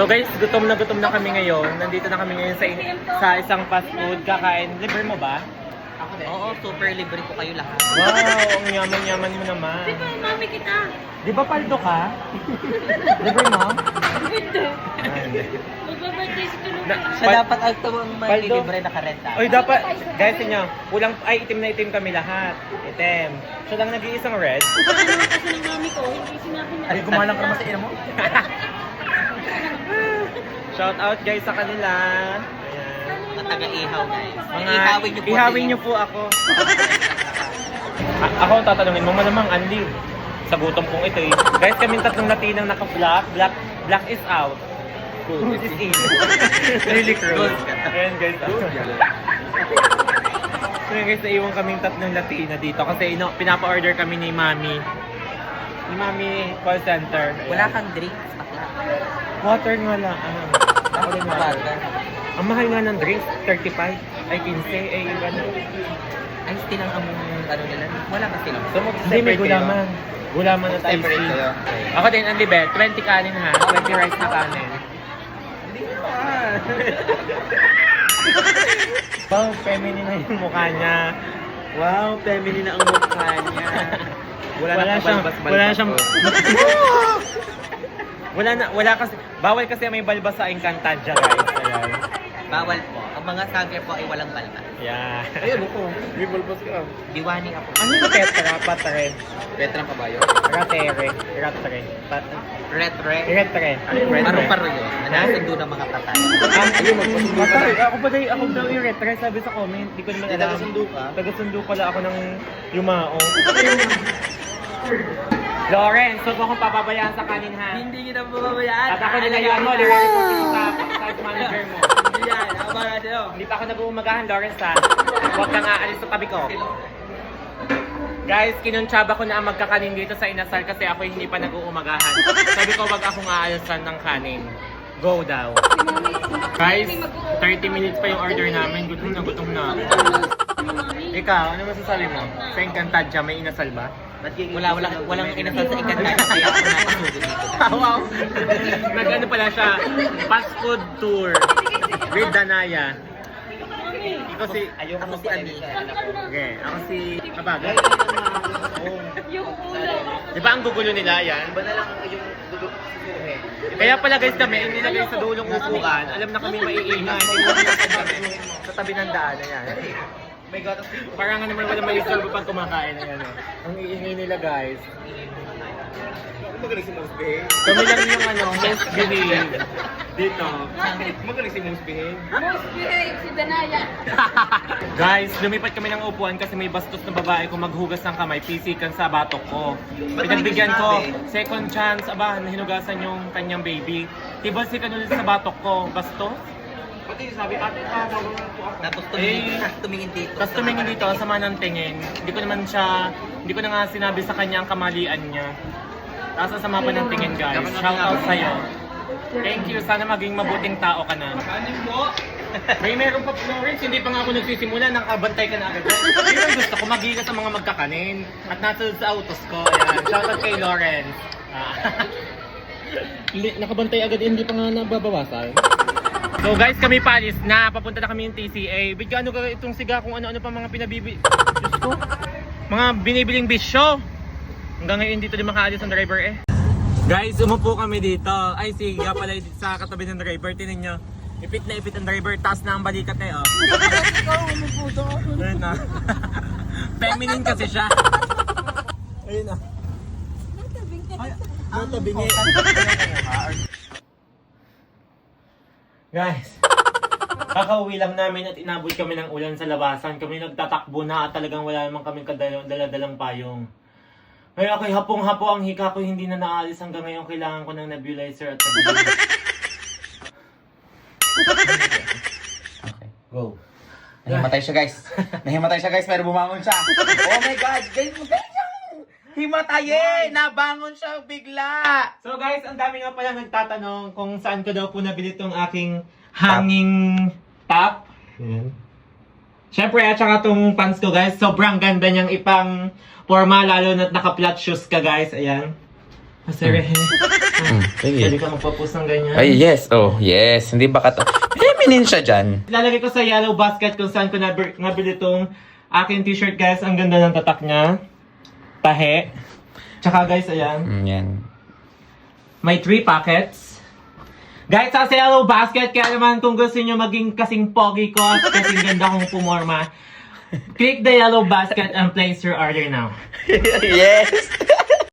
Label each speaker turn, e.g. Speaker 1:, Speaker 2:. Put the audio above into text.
Speaker 1: So guys, gutom na kami ngayon. Nandito na kami ngayon sa isang fast food. Kakain. Libre mo ba?
Speaker 2: Ako din. Oo, super libre ko kayo lahat.
Speaker 1: Wow, ang yaman-yaman mo naman.
Speaker 3: Di ba, mami kita?
Speaker 1: Di ba paldo ka? Libre mo?
Speaker 3: Hindi.
Speaker 1: Hindi.
Speaker 3: Magbabirthday si Tulog
Speaker 1: Na-
Speaker 3: ka.
Speaker 2: Siya dapat ang tumang
Speaker 1: Paldo.
Speaker 2: libre nakarenta.
Speaker 1: Oy, dapat, guys, tingnan. Kulang, ay, itim na itim kami lahat. Itim. So lang nag-iisang red.
Speaker 3: Ano kasi ng mami ko, hindi sinabi na.
Speaker 2: Ay, kumalang ka naman sa ina mo?
Speaker 1: Shout out guys sa kanila. Ayan.
Speaker 2: Mga taga-ihaw, guys.
Speaker 1: Mga
Speaker 2: Ihawin
Speaker 1: ihawin niyo
Speaker 2: niyo po.
Speaker 1: po ako. Ako ang tatanungin mo, malamang Anli. Sa gutom kong ito eh. Guys, kaming tatlong Latinang naka-black. Black is out. Cruise is in. Really cruise. Ayan guys. So yun guys, naiwan kaming tatlong Latina dito. Kasi pinapa-order kami ni Mami. Ni Mami call center. Ayan.
Speaker 2: Wala kang drinks, bakla.
Speaker 1: Water nga lang. Ako din water. Ang mahal nga ng drinks, 35. Ay, 15. Ay, iba na.
Speaker 2: Ay, still ang ano nila. Wala ka still.
Speaker 1: So, hindi, may gulaman. Gulaman at ice
Speaker 2: Separate
Speaker 1: cream.
Speaker 2: kayo.
Speaker 1: Ako din, ang libe, 20 kanin ha. 20 rice na kanin.
Speaker 2: Hindi naman.
Speaker 1: Wow, feminine na yung mukha niya.
Speaker 2: Wow, feminine na ang mukha niya.
Speaker 1: Wala siyang wala kasi, bawal kasi may balbas sa Encantadia guys. Ayan.
Speaker 2: Bawal po. Ang mga sager po ay walang balbas.
Speaker 1: Yeah.
Speaker 2: Ayun ako.
Speaker 1: May balbas ka.
Speaker 2: Diwani ako.
Speaker 1: Ano yung tetra? Patre.
Speaker 2: Petrang kabayo.
Speaker 1: Ratere. Ratre.
Speaker 2: Retre.
Speaker 1: Retre.
Speaker 2: Anong paro yun? Nasundo ng mga patay.
Speaker 1: Ayun, patay. Ako daw yung retre. Sabi sa comment. Di ko naman alam.
Speaker 2: Taga-sundo ka?
Speaker 1: Taga-sundo pala ako ng yumao. Lawrence, huwag mo akong papabayaan sa kanin ha.
Speaker 2: Hindi kita mababayaan.
Speaker 1: At ako nilayaan mo, nire-report ko sa site manager mo.
Speaker 2: Hindi yan. Ako ba natin o?
Speaker 1: Hindi pa ako nag-uumagahan, Lawrence ha. Huwag kang aalis sa tabi ko. Guys, kinuntsaba ko na ang magkakanin dito sa Inasal kasi ako hindi pa nag-uumagahan. Sabi ko, wag akong aalisan ng kanin. Go daw. Guys, 30 minutes pa yung order namin. Gutom na gutom na. Ikaw, ano masasabi mo? Sa Encantadia, may Inasal ba?
Speaker 2: Walang inasal sa Encantadia. Kaya ako napasugod dito.
Speaker 1: Wow! Nag-ano pala siya, fast food tour with Danaya. Ikaw si, ayoko
Speaker 2: Ako si Ami.
Speaker 1: Okay, ako si Kabagay.
Speaker 3: Yung ulo.
Speaker 1: Di ba ang gugulo nila yan?
Speaker 2: Iba na lang yung duduk susuhe.
Speaker 1: Kaya pala guys kami, hindi nilagay sa dulong upuan. Alam na kami maiingay. Sa tabi ng daan, ayan.
Speaker 2: May gatas dito.
Speaker 1: Parang nga naman wala may istorbo pag kumakain. Ayan, oh. Ang iingay nila guys.
Speaker 2: Magaling si Most Behave.
Speaker 1: Kami lang yung most behave dito.
Speaker 2: Magaling si Most Behave.
Speaker 3: Most behave si Danaya.
Speaker 1: Guys, lumipat kami ng upuan kasi may bastos na babae kung maghugas ng kamay, pisikan sa batok ko. Pinagbigyan ko, second chance, hinugasan yung kanyang baby. Tibalsikan ulit sa batok ko, bastos. Pati sabi, ate, tawag po ako.
Speaker 2: Tapos tumingin dito.
Speaker 1: Tapos tumingin dito, sama ng tingin. Hindi ko na nga sinabi sa kanya ang kamalian niya. Tapos ang sama pa ng tingin guys. Shout out sa'yo. Thank you, sana maging mabuting tao ka na. May meron pa Florence, hindi pa nga ako nagsisimula, nakabantay ka na agad. Yun ang gusto ko, magigas sa mga magkakanin. At nasunod sa autos ko. Ayan. Shout out kay Lawrence. Hindi, nakabantay agad, hindi pa nga nababawasan. So guys, kami paalis na. Papunta na kami yung TCA. Bigyan ano itong siga kung ano-ano pa mga pinabibi... Diyos ko. Mga binibiling bisyo. Hanggang ngayon dito din makaalis ang driver eh. Guys, umupo kami dito. Ay, siga pala sa katabi ng driver. Tinan nyo. Ipit na ipit ang driver. Taas na ang balikat eh, oh.
Speaker 3: Ikaw, umuputo ako.
Speaker 1: Ayun na. Feminine kasi siya. Ayun na.
Speaker 3: Natabing ka.
Speaker 1: Natabingi. Guys, kakauwi lang namin at inabot kami ng ulan sa labasan. Kami nagtatakbo na at talagang wala naman kaming dala-dalang payong. Kaya ako'y hapong-hapo ang hika ko, hindi na naalis hanggang ngayon. Kailangan ko ng nebulizer at nebulizer.
Speaker 2: Okay, go. Nahimatay siya guys. Nahimatay siya guys pero bumangon siya. Oh my God! Himatay eh! Nabangon siya bigla!
Speaker 1: So guys, ang dami nga pala nagtatanong kung saan ko daw po nabili itong aking hanging top. Ayan. Siyempre, at saka itong pants ko guys, sobrang ganda niyang ipang forma, lalo na't naka-flat shoes ka guys. Ayan. Sir,
Speaker 2: Sige.
Speaker 1: pwede ka magpa-post ng ganyan.
Speaker 2: Ay, yes. Oh, yes. Hindi ba ka to? Feminine siya dyan.
Speaker 1: Ilalagay ko sa yellow basket kung saan ko nabili itong aking t-shirt, guys. Ang ganda ng tatak niya. Tahe. Tsaka guys, ayan.
Speaker 2: Yan.
Speaker 1: May 3 packets. Guys, sa yellow basket, kaya naman kung gusto nyo maging kasing pogi ko at kasing ganda kong pumorma, click the yellow basket and place your order now.
Speaker 2: Yes!